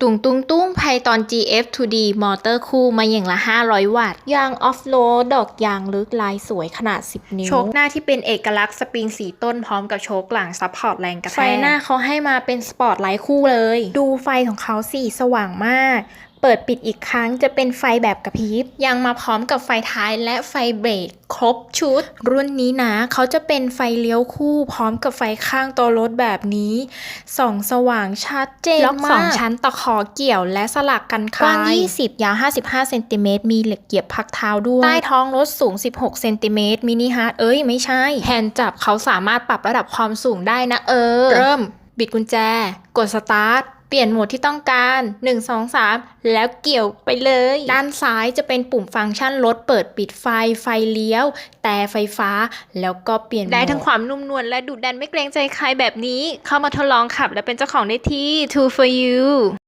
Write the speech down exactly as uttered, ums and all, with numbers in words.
ตุงตุงตุ้งไพตอน จี เอฟ ทู ดี มอเตอร์คู่มาอย่างละ ห้าร้อย วัตต์ยางออฟโรดดอกยางลึกลายสวยขนาด สิบ นิ้ว โชคหน้าที่เป็นเอกลักษณ์สปริงสีต้นพร้อมกับโชคหลังซัพพอร์ตแรงกระแทกไฟหน้าเขาให้มาเป็นสปอตไลท์คู่เลย ดูไฟของเขาสีสว่างมากเปิดปิดอีกครั้งจะเป็นไฟแบบกระพริบยังมาพร้อมกับไฟท้ายและไฟเบรกครบชุดรุ่นนี้นะเขาจะเป็นไฟเลี้ยวคู่พร้อมกับไฟข้างตัวรถแบบนี้ส่องสว่างชัดเจนมากล็อกสองชั้นตะขอเกี่ยวและสลักกันคลายกว้างยี่สิบยาวห้าสิบห้าเซนติเมตรมีเหล็กเหยียบพักเท้าด้วยใต้ท้องรถสูงสิบหกเซนติเมตรมินิฮาร์ดเอ้ยไม่ใช่แฮนด์จับเขาสามารถปรับระดับความสูงได้นะเออเริ่มบิดกุญแจกดสตาร์ทเปลี่ยนโหมดที่ต้องการหนึ่ง สอง สามแล้วเกี่ยวไปเลยด้านซ้ายจะเป็นปุ่มฟังก์ชันรถเปิดปิดไฟไฟเลี้ยวแต่ไฟฟ้าแล้วก็เปลี่ยนได้ทั้งความนุ่มนวลและดุดันไม่เกรงใจใครแบบนี้เข้ามาทดลองขับและเป็นเจ้าของได้ที่ ทู ฟอร์ ยู